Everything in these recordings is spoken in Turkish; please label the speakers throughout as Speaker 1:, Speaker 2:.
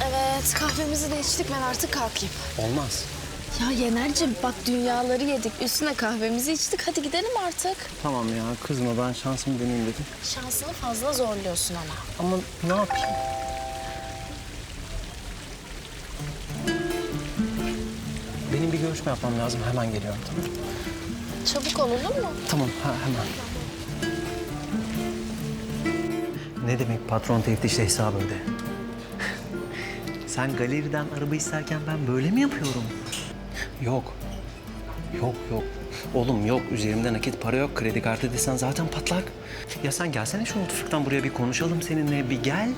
Speaker 1: Evet, kahvemizi de içtik. Ben artık kalkayım.
Speaker 2: Olmaz.
Speaker 1: Ya Yener'cim bak dünyaları yedik. Üstüne kahvemizi içtik. Hadi gidelim artık.
Speaker 2: Tamam ya kızma, ben şansımı deneyeyim dedim.
Speaker 1: Şansını fazla zorluyorsun ama.
Speaker 2: Ama ne yapayım? Benim bir görüşme yapmam lazım. Hemen geliyorum, tamam mı?
Speaker 1: Çabuk ol, olur mu?
Speaker 2: Tamam, hemen. Ne demek patron teftişle hesabı öde? Sen galeriden araba isterken ben böyle mi yapıyorum? Yok. Yok. Oğlum yok. Üzerimde nakit para yok. Kredi kartı desen zaten patlak. Ya sen gelsene şu mutfaktan buraya, bir konuşalım seninle. Bir gel.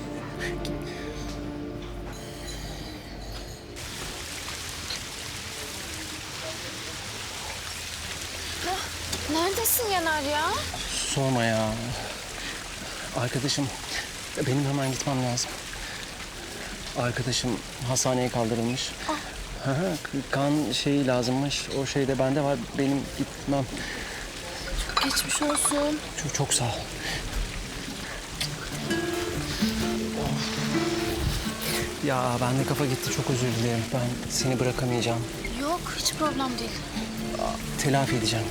Speaker 1: Neredesin Yener ya?
Speaker 2: Sorma ya. Arkadaşım, benim hemen gitmem lazım. Arkadaşım hastaneye kaldırılmış. Hı hı, kan şeyi lazımmış. O şey de bende var. Benim gitmem.
Speaker 1: Geçmiş olsun.
Speaker 2: Çok sağ ol. Ya bende kafa gitti. Çok özür dilerim. Ben seni bırakamayacağım.
Speaker 1: Yok, hiç problem değil.
Speaker 2: Telafi edeceğim.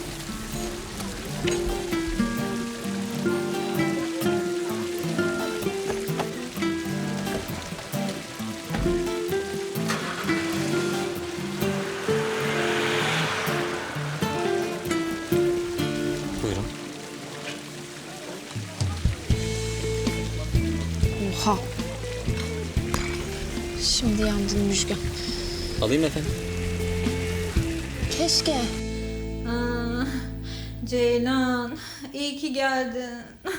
Speaker 2: Buyurun.
Speaker 1: Oha. Şimdi yandın Müjgan.
Speaker 2: Alayım efendim.
Speaker 1: Keşke.
Speaker 3: Aa, Ceylan, iyi ki geldin.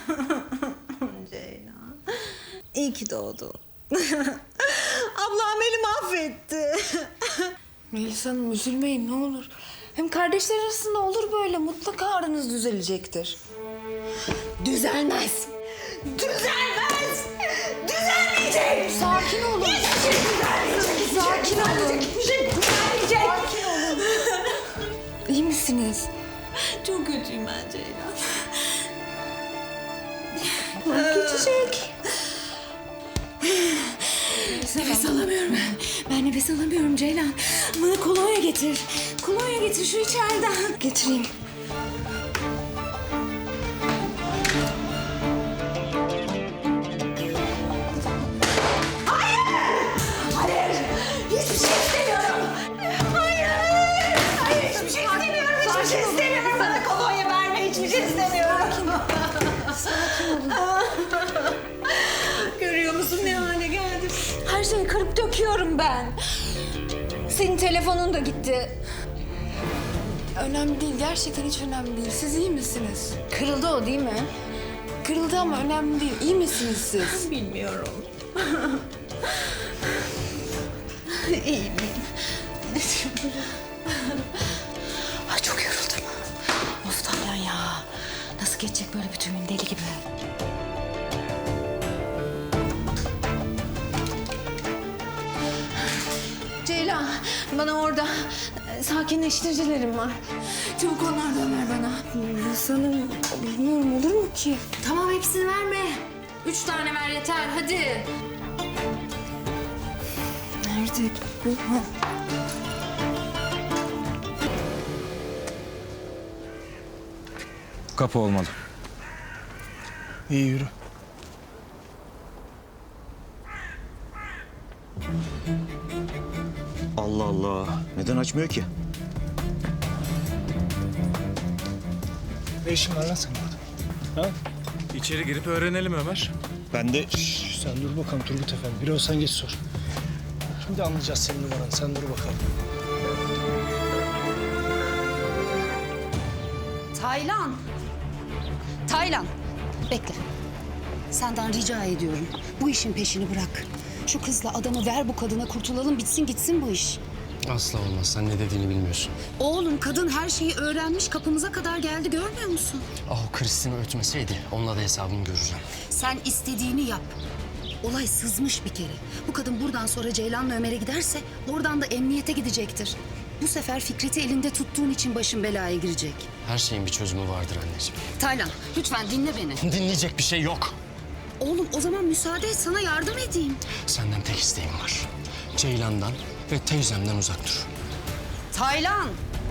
Speaker 3: Ceylan, iyi ki doğdun. Ablam beni mahvetti.
Speaker 4: Melis Hanım üzülmeyin ne olur. Hem kardeşler arasında olur böyle. Mutlaka aranız düzelecektir.
Speaker 3: Düzelmez. Düzelmez. Düzelmeyecek.
Speaker 4: Sakin olun.
Speaker 3: Hiçbir şey düzelmeyecek.
Speaker 4: Sakin olun.
Speaker 3: Hiçbir şey düzelmeyecek.
Speaker 4: Sakin olun. İyi misiniz?
Speaker 3: Çok kötüyüm ben Ceylan.
Speaker 4: Geçecek.
Speaker 3: Nefes alamıyorum ben. Ben nefes alamıyorum Ceylan. Bana kolonya getir. Kolonya getir şu içeriden.
Speaker 4: Getireyim.
Speaker 3: Hayır! Hiçbir şey istemiyorum! Hayır! Hayır hiçbir şey istemiyorum! Hiçbir şey istemiyorum! Bana kolonya verme! Hiçbir şey istemiyorum! Sakin olun. Görüyor musun ne hale geldim? Her şeyi kırıp döküyorum ben. Senin telefonun da gitti.
Speaker 4: Önemli değil. Gerçekten hiç önemli değil. Siz iyi misiniz?
Speaker 3: Kırıldı o değil mi?
Speaker 4: Kırıldı ama önemli değil. İyi misiniz siz?
Speaker 3: Bilmiyorum. İyiyim. Ay çok yoruldum. Of Taylan ya. Nasıl geçecek böyle bütün gün deli gibi? Ceylan, bana orada sakinleştiricilerim var. Çabuk onlardan ver bana.
Speaker 4: Melis Hanım bilmiyorum olur mu ki?
Speaker 3: Tamam hepsini verme. 3 tane ver yeter hadi.
Speaker 4: Nerede bu? Ha.
Speaker 5: Kapı olmalı.
Speaker 2: İyi yürü.
Speaker 6: Allah Allah. Neden açmıyor ki?
Speaker 7: Ne işin var lan senin burada? Ha?
Speaker 5: İçeri girip öğrenelim Ömer.
Speaker 6: Ben de...
Speaker 7: Sen dur bakalım Turgut Efendi. Bir olsan geç sor. Şimdi anlayacağız senin numaranı. Sen dur bakalım.
Speaker 8: Taylan. Taylan. Bekle. Senden rica ediyorum. Bu işin peşini bırak. Şu kızla adamı ver bu kadına, kurtulalım, bitsin gitsin bu iş.
Speaker 2: Asla olmaz. Sen ne dediğini bilmiyorsun.
Speaker 8: Oğlum kadın her şeyi öğrenmiş, kapımıza kadar geldi, görmüyor musun?
Speaker 2: Ah o Kristina ötmeseydi onunla da hesabını göreceğim.
Speaker 8: Sen istediğini yap. Olay sızmış bir kere. Bu kadın buradan sonra Ceylan'la Ömer'e giderse oradan da emniyete gidecektir. Bu sefer Fikret'i elinde tuttuğun için başın belaya girecek.
Speaker 2: Her şeyin bir çözümü vardır anneciğim.
Speaker 8: Taylan lütfen dinle beni.
Speaker 2: Dinleyecek bir şey yok.
Speaker 8: Oğlum o zaman müsaade et sana yardım edeyim.
Speaker 2: Senden tek isteğim var. Ceylan'dan ve teyzemden uzak dur.
Speaker 8: Taylan!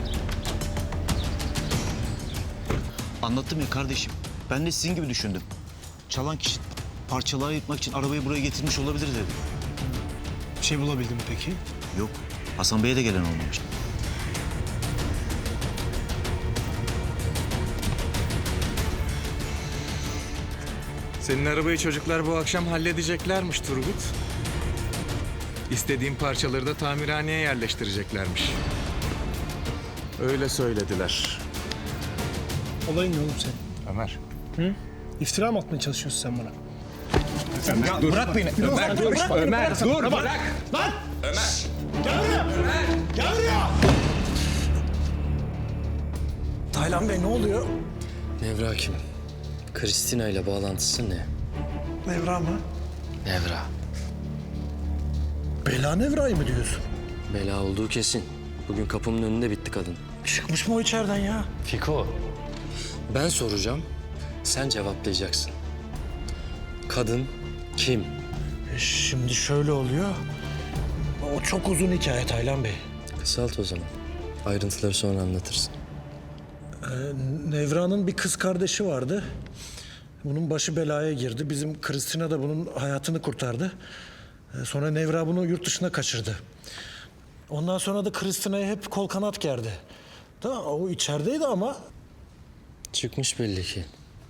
Speaker 6: Anlattım ya kardeşim. Ben de sizin gibi düşündüm. Çalan kişi parçalara ayırtmak için arabayı buraya getirmiş olabilir dedim.
Speaker 7: Bir şey bulabildin mi peki?
Speaker 6: Yok. Hasan Bey'e de gelen olmamış.
Speaker 5: Senin arabayı çocuklar bu akşam halledeceklermiş Turgut. İstediğim parçaları da tamirhaneye yerleştireceklermiş. Öyle söylediler.
Speaker 7: Olayın ne oğlum senin?
Speaker 5: Ömer.
Speaker 7: İftira mı atmaya çalışıyorsun sen bana?
Speaker 5: Bırak beni. Ömer dur. Ömer dur. Bırak.
Speaker 7: Lan! Ömer! Gel buraya! Gel buraya! Taylan Bey ne oluyor?
Speaker 2: Nevra kim? Kristina ile bağlantısı ne?
Speaker 7: Nevra mı?
Speaker 2: Nevra.
Speaker 7: Bela Nevra'yı mı diyorsun?
Speaker 2: Bela olduğu kesin. Bugün kapımın önünde bitti kadın.
Speaker 7: Çıkmış mı o içeriden ya?
Speaker 2: Fiko. Ben soracağım, sen cevaplayacaksın. Kadın kim?
Speaker 7: Şimdi şöyle oluyor. O çok uzun hikaye Taylan Bey.
Speaker 2: Kısalt o zaman. Ayrıntıları sonra anlatırsın.
Speaker 7: Nevra'nın bir kız kardeşi vardı. Bunun başı belaya girdi. Bizim Kristina da bunun hayatını kurtardı. Sonra Nevra bunu yurt dışına kaçırdı. Ondan sonra da Kristina'ya hep kol kanat gerdi. Tamam, o içerideydi ama
Speaker 2: Çıkmış belli ki.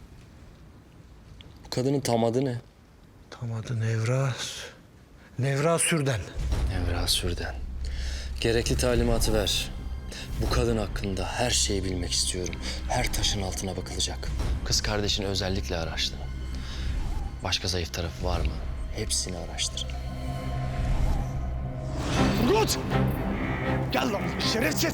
Speaker 2: Bu kadının tam adı ne?
Speaker 7: tam adı Nevra. Nevra Sürden.
Speaker 2: Nevra Sürden. Gerekli talimatı ver. Bu kadın hakkında her şeyi bilmek istiyorum. Her taşın altına bakılacak. Kız kardeşini özellikle araştırın. Başka zayıf tarafı var mı? Hepsini araştırın.
Speaker 7: Turgut! Gel lan şerefsiz!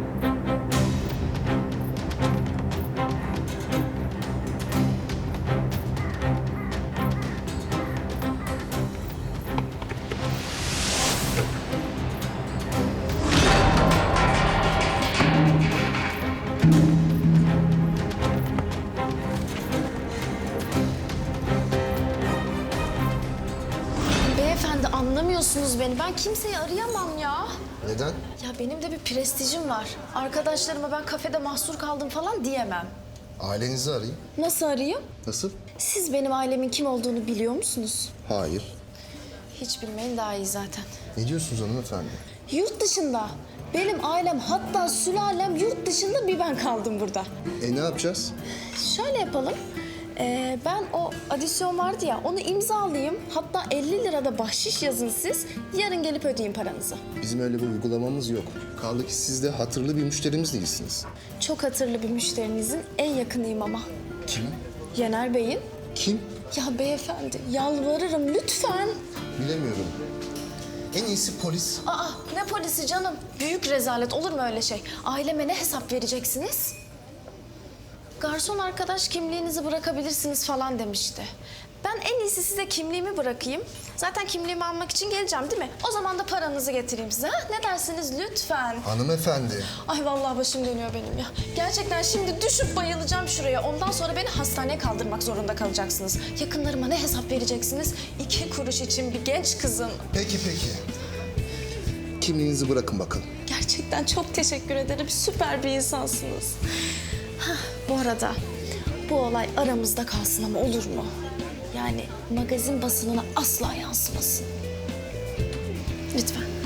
Speaker 1: Beyefendi anlamıyorsunuz beni. Ben kimseyi arayamam ya.
Speaker 9: Neden?
Speaker 1: Ya benim de bir prestijim var. Arkadaşlarıma ben kafede mahsur kaldım falan diyemem.
Speaker 9: Ailenizi arayın.
Speaker 1: Nasıl arayayım?
Speaker 9: Nasıl?
Speaker 1: Siz benim ailemin kim olduğunu biliyor musunuz?
Speaker 9: Hayır.
Speaker 1: Hiç bilmeyin daha iyi zaten.
Speaker 9: Ne diyorsunuz hanımefendi?
Speaker 1: Yurt dışında. Benim ailem hatta sülalem yurt dışında, bir ben kaldım burada.
Speaker 9: Ne yapacağız?
Speaker 1: Şöyle yapalım. Ben o adisyon vardı ya, onu imzalayayım. Hatta 50 lirada bahşiş yazın siz. Yarın gelip ödeyin paranızı.
Speaker 9: Bizim öyle bir uygulamamız yok. Kaldı ki siz de hatırlı bir müşterimiz değilsiniz.
Speaker 1: Çok hatırlı bir müşterinizin en yakınıyım ama.
Speaker 9: Kim?
Speaker 1: Yener Bey'in.
Speaker 9: Kim?
Speaker 1: Ya beyefendi yalvarırım lütfen.
Speaker 9: Bilemiyorum. En iyisi polis.
Speaker 1: Aa, ne polisi canım? Büyük rezalet, olur mu öyle şey? Aileme ne hesap vereceksiniz? Garson arkadaş kimliğinizi bırakabilirsiniz falan demişti. Ben en iyisi size kimliğimi bırakayım. Zaten kimliğimi almak için geleceğim değil mi? O zaman da paranızı getireyim size. Ha? Ne dersiniz lütfen?
Speaker 9: Hanımefendi.
Speaker 1: Ay vallahi başım dönüyor benim ya. Gerçekten şimdi düşüp bayılacağım şuraya. Ondan sonra beni hastaneye kaldırmak zorunda kalacaksınız. Yakınlarıma ne hesap vereceksiniz? 2 kuruş için bir genç kızın.
Speaker 9: Peki. Kimliğinizi bırakın bakalım.
Speaker 1: Gerçekten çok teşekkür ederim. Süper bir insansınız. Hah, bu arada bu olay aramızda kalsın ama olur mu? Yani magazin basınına asla yansımasın. Lütfen.